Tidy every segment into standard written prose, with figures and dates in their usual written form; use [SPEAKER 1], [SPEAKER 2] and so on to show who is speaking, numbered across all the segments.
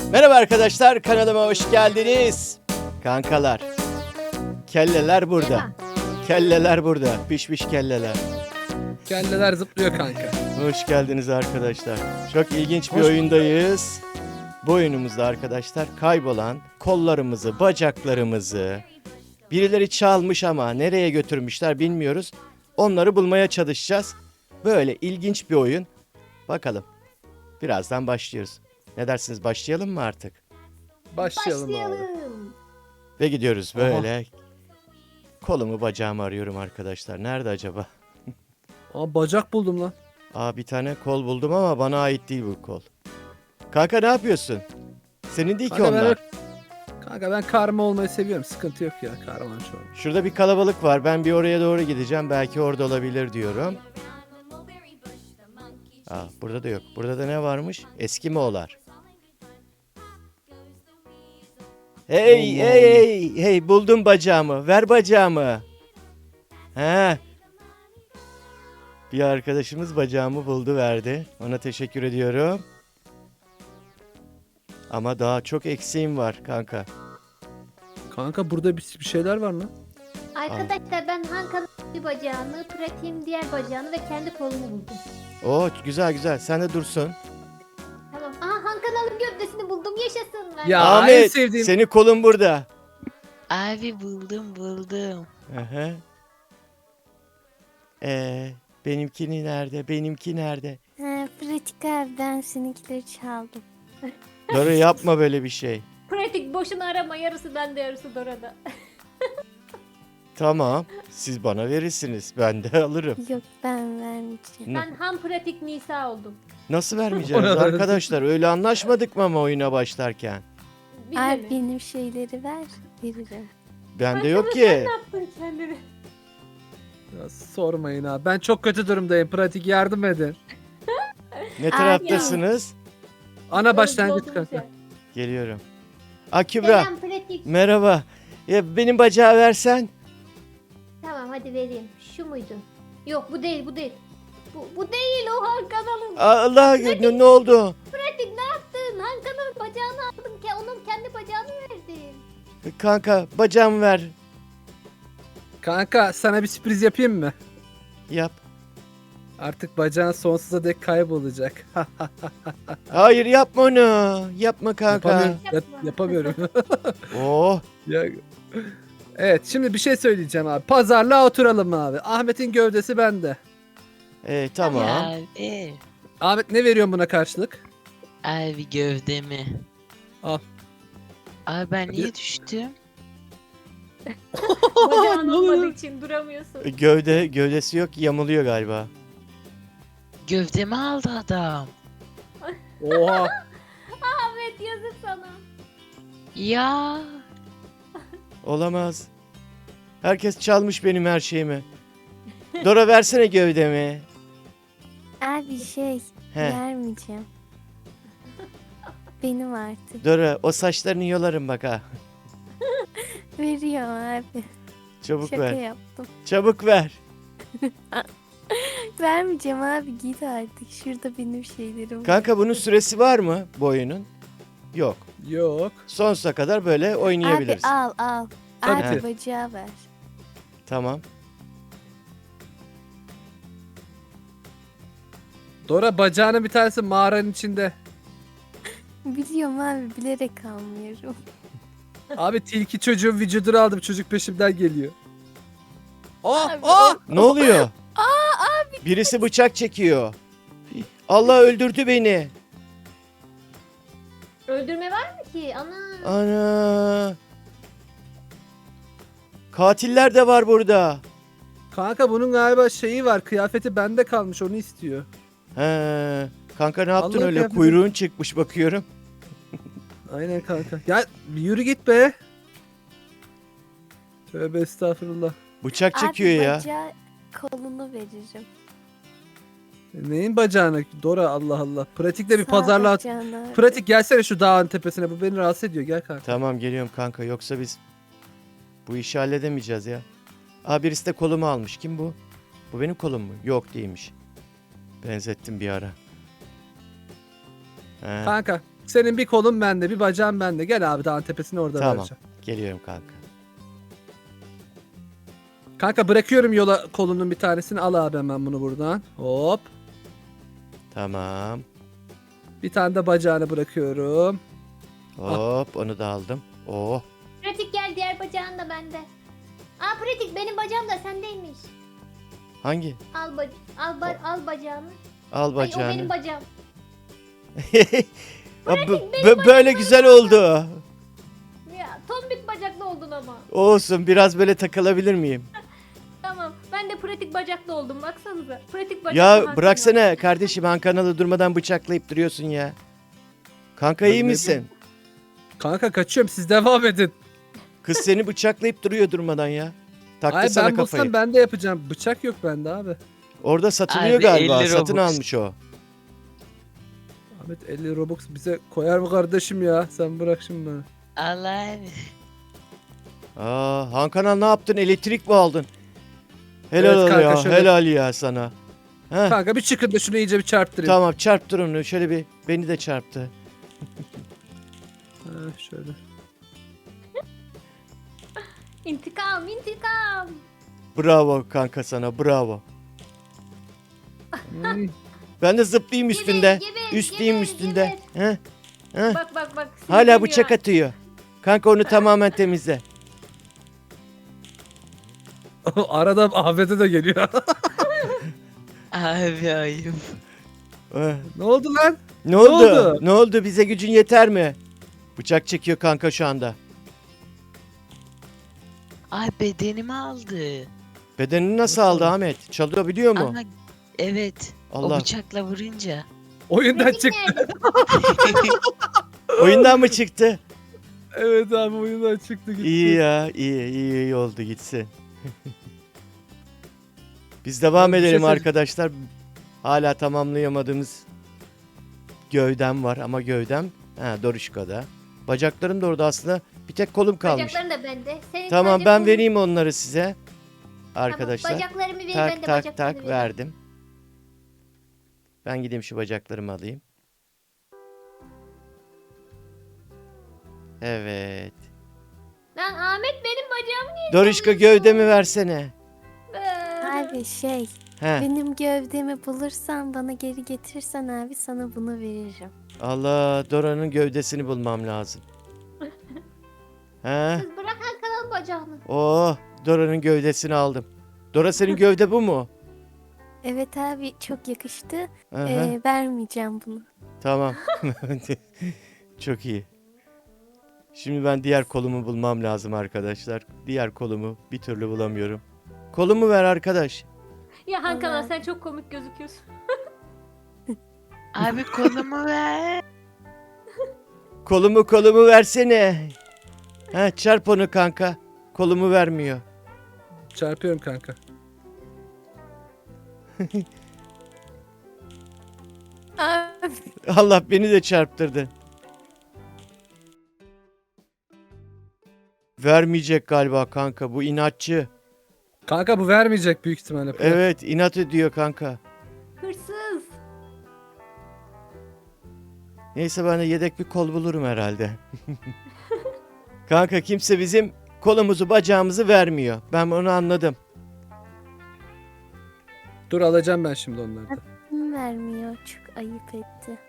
[SPEAKER 1] Merhaba arkadaşlar, kanalıma hoş geldiniz. Kankalar, kelleler burada. Kelleler burada, pişmiş kelleler.
[SPEAKER 2] Kelleler zıplıyor kanka.
[SPEAKER 1] Hoş geldiniz arkadaşlar. Çok ilginç bir
[SPEAKER 2] Hoş
[SPEAKER 1] oyundayız. Bu oyunumuzda arkadaşlar kaybolan kollarımızı, bacaklarımızı birileri çalmış ama nereye götürmüşler bilmiyoruz. Onları bulmaya çalışacağız. Böyle ilginç bir oyun. Bakalım. Birazdan başlıyoruz. Ne dersiniz, başlayalım mı artık?
[SPEAKER 2] Başlayalım abi.
[SPEAKER 3] Başlayalım.
[SPEAKER 1] Ve gidiyoruz böyle. Kolumu bacağımı arıyorum arkadaşlar. Nerede acaba?
[SPEAKER 2] Aa, bacak buldum lan.
[SPEAKER 1] Bir tane kol buldum ama bana ait değil bu kol. Kanka ne yapıyorsun? Senin değil ki
[SPEAKER 2] Kanka ben,
[SPEAKER 1] onlar.
[SPEAKER 2] kanka ben karma olmayı seviyorum. Sıkıntı yok ya kahraman şu an.
[SPEAKER 1] Şurada bir kalabalık var. Ben bir oraya doğru gideceğim. Belki orada olabilir diyorum. Burada da yok. Burada da ne varmış? Eskimoğullar. Hey
[SPEAKER 2] Allah
[SPEAKER 1] hey hey hey, buldum bacağımı. Ver bacağımı. He. Bir arkadaşımız bacağımı buldu, verdi. Ona teşekkür ediyorum. Ama daha çok eksiğim var kanka.
[SPEAKER 2] Kanka burada bir şeyler var lan.
[SPEAKER 3] Arkadaşlar ben Hakan'ın bir bacağını, Pratik'in diğer bacağını ve kendi kolumu buldum.
[SPEAKER 1] Oo, güzel güzel. Sen de dursun.
[SPEAKER 3] Tamam. Aha Hakan'ın gövdesini buldum. Yaşasın. Ben.
[SPEAKER 2] Ya en
[SPEAKER 1] Ahmet,
[SPEAKER 2] sevdiğim.
[SPEAKER 1] senin kolun burada.
[SPEAKER 4] Abi buldum.
[SPEAKER 1] Aha. Benimkini nerede? Benimki nerede?
[SPEAKER 5] Pratik abi ben seninkileri çaldım.
[SPEAKER 1] Dora yapma böyle bir şey.
[SPEAKER 3] Pratik boşuna arama. Yarısı bende, yarısı Dora'da.
[SPEAKER 1] Tamam. Siz bana verirsiniz. Ben de alırım.
[SPEAKER 5] Yok ben vermeyeceğim.
[SPEAKER 3] Ben ham Pratik Nisa oldum.
[SPEAKER 1] Nasıl vermeyeceğiz
[SPEAKER 2] Ona ver.
[SPEAKER 1] arkadaşlar? Öyle anlaşmadık mı ama oyuna başlarken?
[SPEAKER 3] Bize
[SPEAKER 5] Abi
[SPEAKER 3] mi?
[SPEAKER 5] benim şeyleri ver veririm.
[SPEAKER 1] Bende yok ki.
[SPEAKER 3] Ne yaptın kendini?
[SPEAKER 2] Ya sormayın abi. Ben çok kötü durumdayım. Pratik yardım edin.
[SPEAKER 1] Ne taraftasınız?
[SPEAKER 2] Ana başlangıç
[SPEAKER 3] Doldurmuş
[SPEAKER 2] kanka.
[SPEAKER 3] ya.
[SPEAKER 1] Geliyorum. Kübra.
[SPEAKER 3] Selam Pratik.
[SPEAKER 1] Merhaba. Ya benim bacağı versen.
[SPEAKER 3] Tamam hadi vereyim. Şu muydu? Yok bu değil, bu değil. Bu değil, o Hakan'ın.
[SPEAKER 1] Allah, ne oldu?
[SPEAKER 3] Pratik ne yaptın? Hakan'ın bacağını aldın. Onun kendi bacağını verdin.
[SPEAKER 1] Kanka bacağımı ver.
[SPEAKER 2] Kanka sana bir sürpriz yapayım mı?
[SPEAKER 1] Yap.
[SPEAKER 2] Artık bacağın sonsuza dek kaybolacak.
[SPEAKER 1] Hayır, yapma onu. Yapma kanka.
[SPEAKER 2] Yapamıyorum.
[SPEAKER 3] Yapma.
[SPEAKER 2] Yapamıyorum.
[SPEAKER 1] Oh.
[SPEAKER 2] Ya- Evet şimdi bir şey söyleyeceğim abi. Pazarlığa oturalım abi. Ahmet'in gövdesi bende.
[SPEAKER 1] Tamam.
[SPEAKER 4] Abi.
[SPEAKER 2] Ahmet ne veriyorsun buna karşılık?
[SPEAKER 4] Abi gövdemi.
[SPEAKER 2] Al.
[SPEAKER 4] Abi ben
[SPEAKER 2] Hadi.
[SPEAKER 4] niye düştüm?
[SPEAKER 3] Bacağın
[SPEAKER 2] Ne oluyor?
[SPEAKER 3] olmadığı için duramıyorsun.
[SPEAKER 1] Gövdesi yok, yamuluyor galiba.
[SPEAKER 4] Gövdemi aldı adam.
[SPEAKER 2] Oha.
[SPEAKER 3] Ahmet yazık sana.
[SPEAKER 4] Ya.
[SPEAKER 1] Olamaz. Herkes çalmış benim her şeyimi. Dora versene gövdemi.
[SPEAKER 5] Abi
[SPEAKER 1] He.
[SPEAKER 5] vermeyeceğim. Benim artık.
[SPEAKER 1] Dora, o saçlarını yolarım bak ha.
[SPEAKER 5] Veriyorum abi.
[SPEAKER 1] Çabuk
[SPEAKER 5] Şaka
[SPEAKER 1] ver.
[SPEAKER 5] yaptım.
[SPEAKER 1] Çabuk ver.
[SPEAKER 5] Vermeyeceğim abi git artık. Şurada benim şeylerim var.
[SPEAKER 1] Kanka bunun süresi var mı bu oyunun? Yok.
[SPEAKER 2] Yok.
[SPEAKER 1] Sonsuza kadar böyle oynayabiliriz.
[SPEAKER 5] Abi al.
[SPEAKER 2] Tabii
[SPEAKER 5] Abi
[SPEAKER 1] ki.
[SPEAKER 5] bacağı ver.
[SPEAKER 1] Tamam.
[SPEAKER 2] Dora bacağının bir tanesi mağaranın içinde.
[SPEAKER 5] Biliyorum abi bilerek almıyorum.
[SPEAKER 2] Abi tilki çocuğun vücudunu aldım. Çocuk peşimden geliyor. Aa,
[SPEAKER 5] Abi,
[SPEAKER 2] aa!
[SPEAKER 1] Ne oluyor? Birisi bıçak çekiyor. Allah öldürdü beni.
[SPEAKER 3] Öldürme var mı ki? Ana.
[SPEAKER 1] Ana. Katiller de var burada.
[SPEAKER 2] Kanka bunun galiba şeyi var. Kıyafeti bende kalmış. Onu istiyor.
[SPEAKER 1] He. Kanka ne yaptın
[SPEAKER 2] Vallahi
[SPEAKER 1] öyle?
[SPEAKER 2] kıyafeti-
[SPEAKER 1] Kuyruğun çıkmış bakıyorum.
[SPEAKER 2] Aynen kanka. Ya bir yürü git be. Tövbe estağfurullah.
[SPEAKER 1] Bıçak çekiyor
[SPEAKER 5] abi
[SPEAKER 1] ya.
[SPEAKER 5] bacağı kolunu veririm.
[SPEAKER 2] Neyin bacağına? Dora Allah Allah. Pratikte bir
[SPEAKER 5] Sağ
[SPEAKER 2] pazarlığa...
[SPEAKER 5] bacağını abi.
[SPEAKER 2] Pratik gelsene şu dağın tepesine. Bu beni rahatsız ediyor. Gel kanka.
[SPEAKER 1] Tamam, geliyorum kanka. Yoksa biz bu işi halledemeyeceğiz ya. Birisi de kolumu almış. Kim bu? Bu benim kolum mu? Yok, değilmiş. Benzettim bir ara. He.
[SPEAKER 2] Kanka Senin bir kolun bende, bir bacağın bende. Gel abi dağın tepesine orada
[SPEAKER 1] Tamam.
[SPEAKER 2] vereceğim.
[SPEAKER 1] Geliyorum kanka.
[SPEAKER 2] Kanka bırakıyorum yola kolunun bir tanesini. Al abi hemen bunu buradan. Hop.
[SPEAKER 1] Tamam.
[SPEAKER 2] Bir tane de bacağını bırakıyorum.
[SPEAKER 1] Hop onu da aldım. Oh.
[SPEAKER 3] Pratik gel, diğer bacağın da bende. Aa pratik, benim bacağım da sendeymiş.
[SPEAKER 1] Hangi?
[SPEAKER 3] Al bacağını.
[SPEAKER 1] Al
[SPEAKER 3] Ay, o
[SPEAKER 1] bacağını.
[SPEAKER 3] benim bacağım.
[SPEAKER 1] Böyle güzel oldu.
[SPEAKER 3] Ya tombik bacaklı oldun ama.
[SPEAKER 1] Olsun, biraz böyle takılabilir miyim?
[SPEAKER 3] Tamam, ben de pratik bacaklı oldum, baksanıza. Pratik bacaklı
[SPEAKER 1] Ya
[SPEAKER 3] Hakan
[SPEAKER 1] bıraksana kardeşim, Han kanalı durmadan bıçaklayıp duruyorsun ya. Kanka
[SPEAKER 2] Ben
[SPEAKER 1] iyi
[SPEAKER 2] ne
[SPEAKER 1] misin?
[SPEAKER 2] Kanka kaçıyorum siz devam edin.
[SPEAKER 1] Kız seni bıçaklayıp duruyor durmadan ya. Taktı
[SPEAKER 2] Ay
[SPEAKER 1] sana
[SPEAKER 2] ben
[SPEAKER 1] kafayı.
[SPEAKER 2] bulsam ben de yapacağım. Bıçak yok bende abi.
[SPEAKER 1] Orada satılıyor
[SPEAKER 4] Abi,
[SPEAKER 1] galiba.
[SPEAKER 4] 50
[SPEAKER 1] Satın
[SPEAKER 4] Robux.
[SPEAKER 1] almış o.
[SPEAKER 2] Ahmet 50 Robux bize koyar mı kardeşim ya? Sen bırak şimdi bana.
[SPEAKER 4] Allah abi.
[SPEAKER 1] Han kanal ne yaptın? Elektrik mi aldın? Helal
[SPEAKER 2] Evet
[SPEAKER 1] ol
[SPEAKER 2] kanka,
[SPEAKER 1] ya.
[SPEAKER 2] şöyle-
[SPEAKER 1] Helal ya sana. Heh,
[SPEAKER 2] Kanka bir çıkın da şunu iyice bir çarptırayım.
[SPEAKER 1] tamam çarptır onu. Şöyle bir beni de çarptı.
[SPEAKER 2] Ha, şöyle.
[SPEAKER 3] İntikam, intikam.
[SPEAKER 1] Bravo kanka sana, bravo.
[SPEAKER 2] Hmm.
[SPEAKER 1] Ben de zıplayayım üstünde.
[SPEAKER 3] Geber,
[SPEAKER 1] Üstleyeyim
[SPEAKER 3] geber,
[SPEAKER 1] üstünde.
[SPEAKER 3] geber.
[SPEAKER 1] Heh, heh.
[SPEAKER 3] Bak.
[SPEAKER 1] Hala
[SPEAKER 3] sinirleniyor.
[SPEAKER 1] bıçak atıyor. Kanka onu tamamen temizle.
[SPEAKER 2] Arada Ahmet'e de geliyor.
[SPEAKER 4] Abi ayıp.
[SPEAKER 1] Eh,
[SPEAKER 2] Ne oldu lan?
[SPEAKER 1] Ne oldu?
[SPEAKER 2] oldu?
[SPEAKER 1] Ne oldu? Bize gücün yeter mi? Bıçak çekiyor kanka şu anda.
[SPEAKER 4] Ay bedenimi aldı.
[SPEAKER 1] Bedenini nasıl aldı Ahmet? Çalıyor biliyor mu?
[SPEAKER 4] Ama evet. O
[SPEAKER 1] Allah.
[SPEAKER 4] bıçakla vurunca.
[SPEAKER 2] Oyundan
[SPEAKER 3] Pratik
[SPEAKER 2] çıktı.
[SPEAKER 3] nerede?
[SPEAKER 1] Oyundan mı çıktı?
[SPEAKER 2] Evet abi oyundan çıktı gitti.
[SPEAKER 1] İyi ya. iyi oldu gitsin. Biz devam
[SPEAKER 2] Bir şey
[SPEAKER 1] edelim
[SPEAKER 2] söyleyeceğim.
[SPEAKER 1] arkadaşlar. Hala tamamlayamadığımız gövdem var ama gövdem Doruşka'da. Bacaklarım da orada aslında. Bir tek kolum kalmış.
[SPEAKER 3] Bacakların da bende. Senin
[SPEAKER 1] Tamam
[SPEAKER 3] sadece
[SPEAKER 1] ben
[SPEAKER 3] kolun-
[SPEAKER 1] vereyim onları size.
[SPEAKER 3] Tamam,
[SPEAKER 1] Arkadaşlar.
[SPEAKER 3] bacaklarımı ver, ben de
[SPEAKER 1] Tak
[SPEAKER 3] bacaklarımı
[SPEAKER 1] tak
[SPEAKER 3] vereyim.
[SPEAKER 1] verdim. Ben gideyim şu bacaklarımı alayım. Evet.
[SPEAKER 3] Lan Ahmet, benim bacağım niye?
[SPEAKER 1] Doruşka gövdemi versene.
[SPEAKER 5] Abi
[SPEAKER 1] He.
[SPEAKER 5] benim gövdemi bulursan bana geri getirsen abi sana bunu veririm.
[SPEAKER 1] Allah, Dora'nın gövdesini bulmam lazım. He.
[SPEAKER 3] Kız bırak Hakan'ın bacağını.
[SPEAKER 1] Oh, Dora'nın gövdesini aldım. Dora senin gövde bu mu?
[SPEAKER 5] Evet abi çok yakıştı.
[SPEAKER 1] Aha,
[SPEAKER 5] Vermeyeceğim bunu.
[SPEAKER 1] tamam. Çok iyi. Şimdi ben diğer kolumu bulmam lazım arkadaşlar. Diğer kolumu bir türlü bulamıyorum. Kolumu ver arkadaş.
[SPEAKER 3] Ya Hakan
[SPEAKER 5] Allah.
[SPEAKER 3] sen çok komik gözüküyorsun.
[SPEAKER 4] Abi kolumu ver.
[SPEAKER 1] Kolumu versene. Ha, çarp onu kanka. Kolumu vermiyor.
[SPEAKER 2] Çarpıyorum kanka.
[SPEAKER 5] Abi.
[SPEAKER 1] Allah beni de çarptırdı. Vermeyecek galiba kanka, bu inatçı.
[SPEAKER 2] Kanka bu vermeyecek büyük ihtimalle.
[SPEAKER 1] Evet, inat ediyor kanka.
[SPEAKER 3] Hırsız.
[SPEAKER 1] Neyse ben de yedek bir kol bulurum herhalde. Kanka kimse bizim kolumuzu bacağımızı vermiyor. Ben onu anladım.
[SPEAKER 2] Dur alacağım ben şimdi onları da.
[SPEAKER 5] Kim vermiyor? Çok ayıp etti.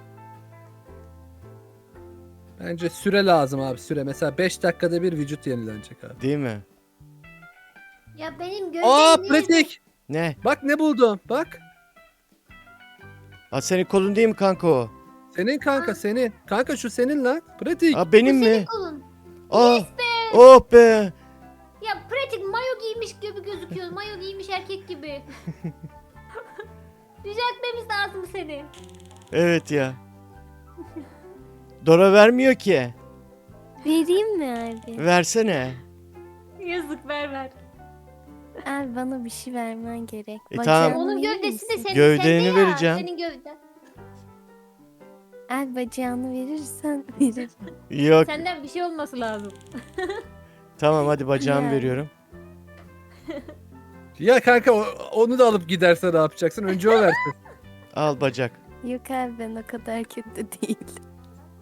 [SPEAKER 2] Bence süre lazım abi süre. Mesela 5 dakikada bir vücut yenilenecek abi.
[SPEAKER 1] Değil mi?
[SPEAKER 3] Ya benim gövdem
[SPEAKER 2] Aa
[SPEAKER 3] niye-
[SPEAKER 2] pratik.
[SPEAKER 1] Ne?
[SPEAKER 2] Bak ne buldum. Bak.
[SPEAKER 1] Aa, senin kolun değil mi kanka o?
[SPEAKER 2] Senin kanka senin. Kanka şu senin lan. Pratik.
[SPEAKER 1] Aa, benim
[SPEAKER 3] Bu senin
[SPEAKER 1] mi?
[SPEAKER 3] kolun.
[SPEAKER 1] Aa, oh be.
[SPEAKER 3] Ya pratik mayo giymiş gibi gözüküyor. Mayo giymiş erkek gibi. Düzeltmemiz lazım seni.
[SPEAKER 1] Evet ya. Dora vermiyor ki.
[SPEAKER 5] Vereyim mi abi?
[SPEAKER 1] Versene.
[SPEAKER 3] Yazık, ver.
[SPEAKER 5] Abi bana bir şey vermen gerek.
[SPEAKER 1] Tamam.
[SPEAKER 5] Bacağını
[SPEAKER 3] Onun
[SPEAKER 5] verir
[SPEAKER 3] gövdesi de
[SPEAKER 5] misin?
[SPEAKER 3] senin.
[SPEAKER 1] Gövdeni
[SPEAKER 3] sende ya,
[SPEAKER 1] vereceğim.
[SPEAKER 3] Senin gövden.
[SPEAKER 5] Abi bacağını verirsen veririm.
[SPEAKER 1] Yok.
[SPEAKER 3] Senden bir şey olması lazım.
[SPEAKER 1] Tamam hadi bacağımı
[SPEAKER 5] Yani.
[SPEAKER 1] veriyorum.
[SPEAKER 2] Ya kanka onu da alıp giderse ne yapacaksın? Önce o versin.
[SPEAKER 1] Al bacak.
[SPEAKER 5] Yok abi ben o kadar kötü değil.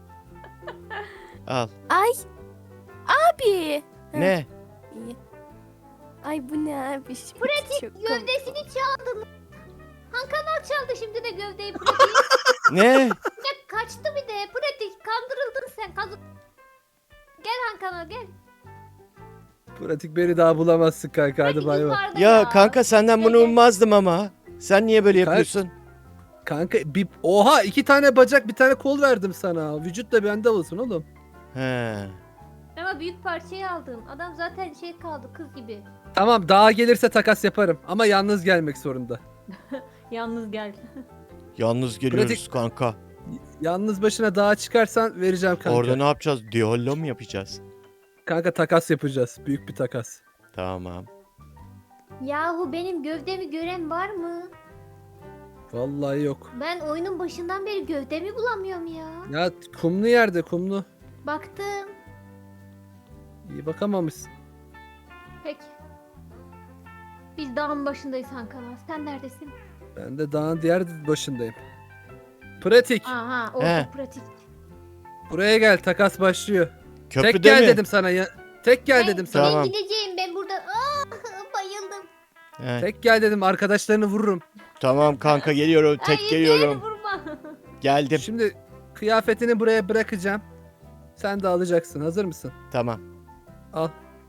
[SPEAKER 1] Al.
[SPEAKER 5] Ay. Abi.
[SPEAKER 1] Ne?
[SPEAKER 5] İyi. Ay bu ne abi? Pratik
[SPEAKER 3] Gövdesini çaldın. Kanal çaldı şimdi de gövdeyi pratik.
[SPEAKER 1] Ne?
[SPEAKER 3] Ya kaçtı bir de pratik. Kandırıldın sen. Gel Kanal gel.
[SPEAKER 2] Pratik beni daha bulamazsın kanka. Hadi
[SPEAKER 3] Pratik
[SPEAKER 2] bay bay.
[SPEAKER 3] yukarıda
[SPEAKER 1] Ya kanka senden bunu
[SPEAKER 3] Gel, gel.
[SPEAKER 1] ummazdım ama. Sen niye böyle yapıyorsun?
[SPEAKER 2] Kanka bir... Oha 2 tane bacak bir tane kol verdim sana. Vücut da bende olsun oğlum.
[SPEAKER 1] He.
[SPEAKER 3] Ama büyük parçayı aldın. Adam zaten şey kaldı kız gibi.
[SPEAKER 2] Tamam daha gelirse takas yaparım. Ama yalnız gelmek zorunda.
[SPEAKER 3] Yalnız gel.
[SPEAKER 1] Yalnız geliyoruz
[SPEAKER 2] Pratik-
[SPEAKER 1] kanka.
[SPEAKER 2] Yalnız başına dağa çıkarsan vereceğim kanka.
[SPEAKER 1] Orada ne yapacağız? Diyallo mu yapacağız?
[SPEAKER 2] Kanka takas yapacağız. Büyük bir takas.
[SPEAKER 1] Tamam.
[SPEAKER 3] Yahu benim gövdemi gören var mı?
[SPEAKER 2] Vallahi yok.
[SPEAKER 3] Ben oyunun başından beri gövdemi bulamıyorum ya.
[SPEAKER 2] Ya kumlu yerde kumlu.
[SPEAKER 3] Baktım.
[SPEAKER 2] İyi bakamamışsın.
[SPEAKER 3] Peki. Biz dağın başındayız Kanal. Sen neredesin?
[SPEAKER 2] Ben de dağın diğer başındayım. Pratik.
[SPEAKER 3] Aha o
[SPEAKER 1] He.
[SPEAKER 3] pratik.
[SPEAKER 2] Buraya gel takas başlıyor.
[SPEAKER 1] Köprüde
[SPEAKER 2] Tek gel
[SPEAKER 1] mi?
[SPEAKER 2] dedim sana ya. Tek gel dedim sana.
[SPEAKER 1] Tamam.
[SPEAKER 3] Ben gideceğim ben burada. Bayıldım.
[SPEAKER 1] He.
[SPEAKER 2] Tek gel dedim arkadaşlarını vururum.
[SPEAKER 1] Tamam kanka geliyorum. Tek
[SPEAKER 3] Ay,
[SPEAKER 1] geliyorum.
[SPEAKER 3] beni vurma.
[SPEAKER 1] Geldim.
[SPEAKER 2] Şimdi kıyafetini buraya bırakacağım. Sen de alacaksın. Hazır mısın?
[SPEAKER 1] Tamam.
[SPEAKER 2] Al.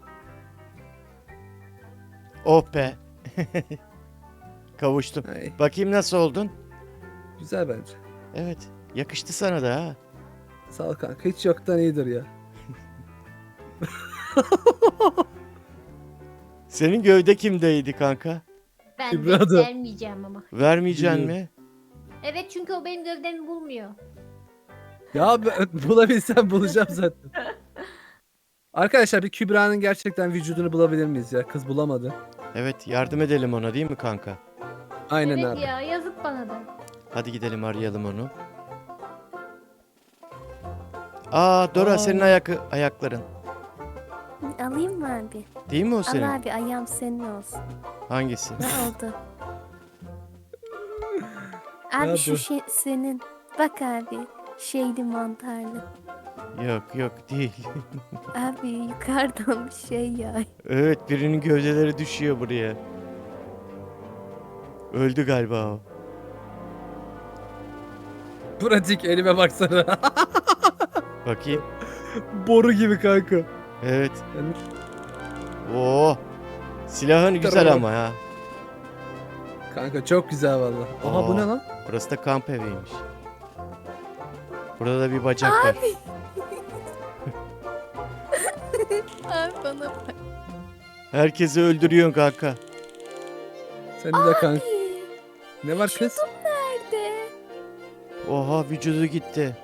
[SPEAKER 1] Oh be. Kavuştum.
[SPEAKER 2] Ay,
[SPEAKER 1] Bakayım nasıl oldun?
[SPEAKER 2] güzel bence.
[SPEAKER 1] Evet. Yakıştı sana da ha.
[SPEAKER 2] Sağ ol kanka. Hiç yoktan iyidir ya.
[SPEAKER 1] Senin gövde kimdeydi kanka?
[SPEAKER 3] Ben
[SPEAKER 2] Kübra'da.
[SPEAKER 3] de vermeyeceğim ama.
[SPEAKER 1] Vermeyeceksin
[SPEAKER 2] Biliyorum.
[SPEAKER 1] mi?
[SPEAKER 3] Evet çünkü o benim gövdemi bulmuyor.
[SPEAKER 2] Ya bulabilsem bulacağım zaten. Arkadaşlar bir Kübra'nın gerçekten vücudunu bulabilir miyiz ya? Kız bulamadı.
[SPEAKER 1] Evet yardım edelim ona değil mi kanka?
[SPEAKER 2] Aynen
[SPEAKER 3] Evet
[SPEAKER 2] abi.
[SPEAKER 3] ya yazık bana da.
[SPEAKER 1] Hadi gidelim arayalım onu. Aa Dora
[SPEAKER 2] Aa.
[SPEAKER 1] senin ayakların.
[SPEAKER 5] Alayım mı abi?
[SPEAKER 1] Değil mi o senin?
[SPEAKER 5] Al abi ayağım senin olsun.
[SPEAKER 1] Hangisi?
[SPEAKER 5] Ne oldu? Abi
[SPEAKER 2] Ya
[SPEAKER 5] şu
[SPEAKER 2] dur.
[SPEAKER 5] şey senin. Bak abi. Şeyli mantarlı.
[SPEAKER 1] Yok yok değil.
[SPEAKER 5] Abi yukarıdan bir şey ya.
[SPEAKER 1] Evet birinin gövdeleri düşüyor buraya. Öldü galiba o.
[SPEAKER 2] Pratik elime baksana.
[SPEAKER 1] Bakayım.
[SPEAKER 2] Boru gibi kanka.
[SPEAKER 1] Evet.
[SPEAKER 2] Yani
[SPEAKER 1] Oo. Silahın güzel
[SPEAKER 2] Tamam.
[SPEAKER 1] ama ya.
[SPEAKER 2] kanka çok güzel valla. Aha bu
[SPEAKER 1] Aa.
[SPEAKER 2] ne lan?
[SPEAKER 1] Burası da kamp eviymiş. Burada da bir bacak var.
[SPEAKER 5] Abi bana bak.
[SPEAKER 1] Herkesi öldürüyorsun kanka.
[SPEAKER 2] Senin de kanka. Ne var kız?
[SPEAKER 5] Nerede?
[SPEAKER 1] Oha vücudu gitti.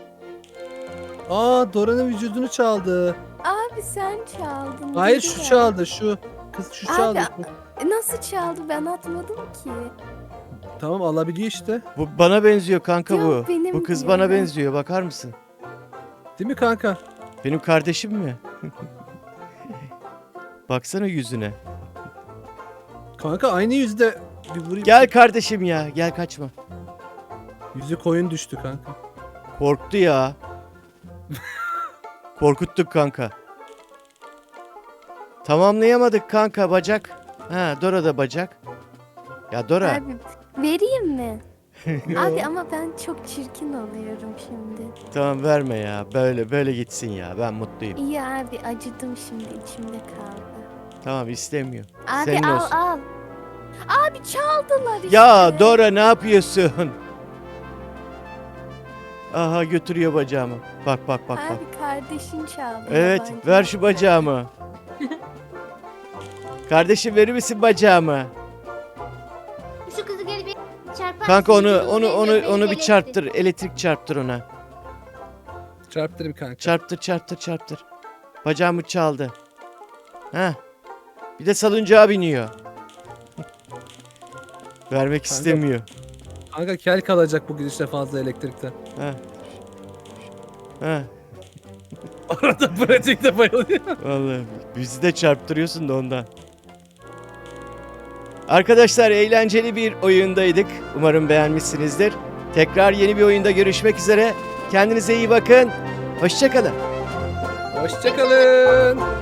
[SPEAKER 2] Aa Dora'nın vücudunu çaldı.
[SPEAKER 5] Abi sen çaldın.
[SPEAKER 2] Hayır
[SPEAKER 5] dedi
[SPEAKER 2] şu
[SPEAKER 5] ya.
[SPEAKER 2] çaldı şu. Kız şu
[SPEAKER 5] Abi,
[SPEAKER 2] çaldı.
[SPEAKER 5] Nasıl çaldı ben atmadım ki.
[SPEAKER 2] Tamam alabiliyor işte.
[SPEAKER 1] Bu bana benziyor kanka
[SPEAKER 5] Yok,
[SPEAKER 1] bu.
[SPEAKER 5] benim
[SPEAKER 1] Bu kız
[SPEAKER 5] diyor
[SPEAKER 1] bana
[SPEAKER 5] ya.
[SPEAKER 1] benziyor bakar mısın?
[SPEAKER 2] Değil mi kanka?
[SPEAKER 1] Benim kardeşim mi? Baksana yüzüne.
[SPEAKER 2] Kanka aynı yüzde bir vurayım.
[SPEAKER 1] Gel kardeşim ya. Gel kaçma.
[SPEAKER 2] Yüzü koyun düştü kanka.
[SPEAKER 1] Korktu ya. Korkuttuk kanka. Tamamlayamadık kanka bacak. Ha Dora da bacak. Ya Dora.
[SPEAKER 5] Abi vereyim mi? Abi ama ben çok çirkin oluyorum şimdi.
[SPEAKER 1] Tamam verme ya. Böyle gitsin ya. Ben mutluyum.
[SPEAKER 5] İyi abi acıdım şimdi içimde kaldı.
[SPEAKER 1] Tamam istemiyor.
[SPEAKER 5] Abi
[SPEAKER 1] Senin
[SPEAKER 5] al
[SPEAKER 1] olsun.
[SPEAKER 5] al. Abi çaldılar işte.
[SPEAKER 1] Ya Dora ne yapıyorsun? Aha götürüyor bacağımı. Bak bak bak bak.
[SPEAKER 5] Abi kardeşin çaldı.
[SPEAKER 1] Evet
[SPEAKER 5] yabancı.
[SPEAKER 1] ver şu bacağımı. Kardeşim verir misin bacağımı?
[SPEAKER 3] Şu kızı gel bir çarpar.
[SPEAKER 1] Kanka
[SPEAKER 3] mısın?
[SPEAKER 1] onu
[SPEAKER 3] Vücudunu
[SPEAKER 1] onu
[SPEAKER 3] benim
[SPEAKER 1] onu
[SPEAKER 3] gövdemi
[SPEAKER 1] onu bir
[SPEAKER 3] delirtti.
[SPEAKER 1] çarptır. Elektrik çarptır ona.
[SPEAKER 2] Çarptırayım kanka.
[SPEAKER 1] Çarptır. Bacağımı çaldı. Ha. Bir de salıncağa biniyor. Vermek istemiyor.
[SPEAKER 2] Kanka kel kalacak bu gidişle fazla elektrikten.
[SPEAKER 1] Ha. Ha.
[SPEAKER 2] Arada pratikte bayılıyor.
[SPEAKER 1] Vallahi bizi de çarptırıyorsun da ondan. Arkadaşlar eğlenceli bir oyundaydık. Umarım beğenmişsinizdir. Tekrar yeni bir oyunda görüşmek üzere. Kendinize iyi bakın. Hoşça kalın.
[SPEAKER 2] Hoşçakalın.